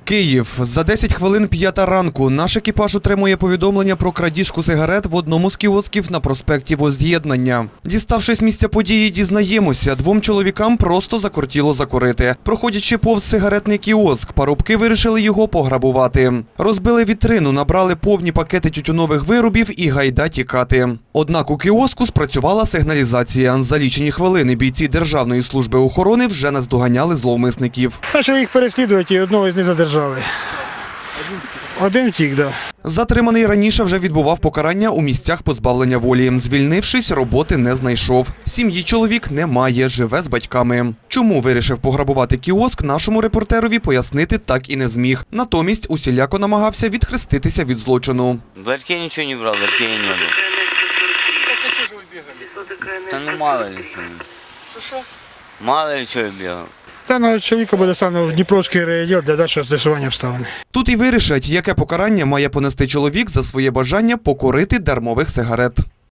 Київ. За 10 хвилин 5 ранку. Наш екіпаж отримує повідомлення про крадіжку сигарет в одному з кіосків на проспекті Возз'єднання. Діставшись з місця події, дізнаємося, двом чоловікам просто закортіло закурити. Проходячи повз сигаретний кіоск, парубки вирішили його пограбувати. Розбили вітрину, набрали повні пакети тютюнових виробів і гайда тікати. Однак у кіоску спрацювала сигналізація. За лічені хвилини бійці Державної служби охорони вже наздоганяли зловмисників. Почали їх переслідувати і одного з них задержали. Один втік, так. Затриманий раніше вже відбував покарання у місцях позбавлення волі. Звільнившись, роботи не знайшов. Сім'ї чоловік немає, живе з батьками. Чому вирішив пограбувати кіоск, нашому репортерові пояснити так і не зміг. Натомість усіляко намагався відхреститися від злочину. В ларьке ничего не брал, в ларьке я не был. Так а что же вы бегали? Да ну мало ли что. Что? Мало ли что я бегал. Даного чоловіка буде саме в Дніпровський райвідділ для дальшого з'ясування обставин. Тут і вирішать, яке покарання має понести чоловік за своє бажання покорити дармових сигарет.